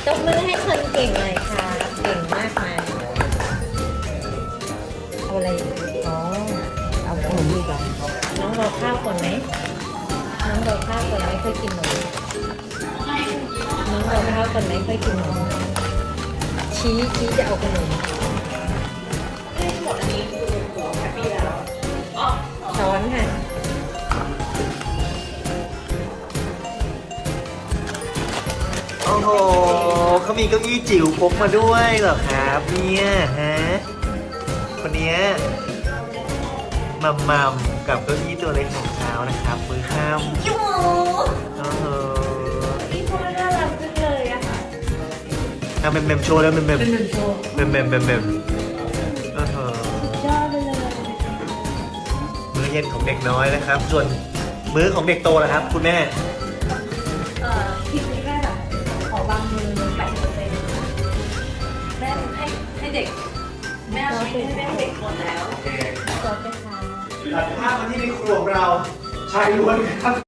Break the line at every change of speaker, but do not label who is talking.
ตบมือให้คนเก่งหน่อยค่ะเก่งมากมายเอาอะไรอ๋อเอาขนมดีกว่าน้องรอข้าวก่อนไหมน้องรอข้าวก่อนไหมค่อยกินหนมน้องรอข้าวก่อนไหมค่อยกินหนมชี้จะเอาขนมช้อนค่ะ
โอ้โหเขามีเก้าอี้จิ๋วพกมาด้วยเหรอครับเนี่ยฮะคนเนี้ยมัมกับเก้าอี้ตัวเล็กของเขานะครับมือข้าม
ยู
โอ้โห
นี่พ่อน่ารักจังเลยอะค่ะ
เอาเมมโชว์แล้วเมม
เป็นหนึ่งโชว์
โอ้โห
ยอดไปเลย
มื้อเย็นของเด็กน้อยนะครับ ส่วนมื้อของเด็กโตล่ะครับ คุณแม่
ทีนี้แม่แบบขอบางมือ80%แม่ให้เด็ก แม่เอาชีสให้เด็กหมดแล้ว
ซอสไปค่ะ
ตัดภาพมาที่ในครัวของเราชายล้วนครับ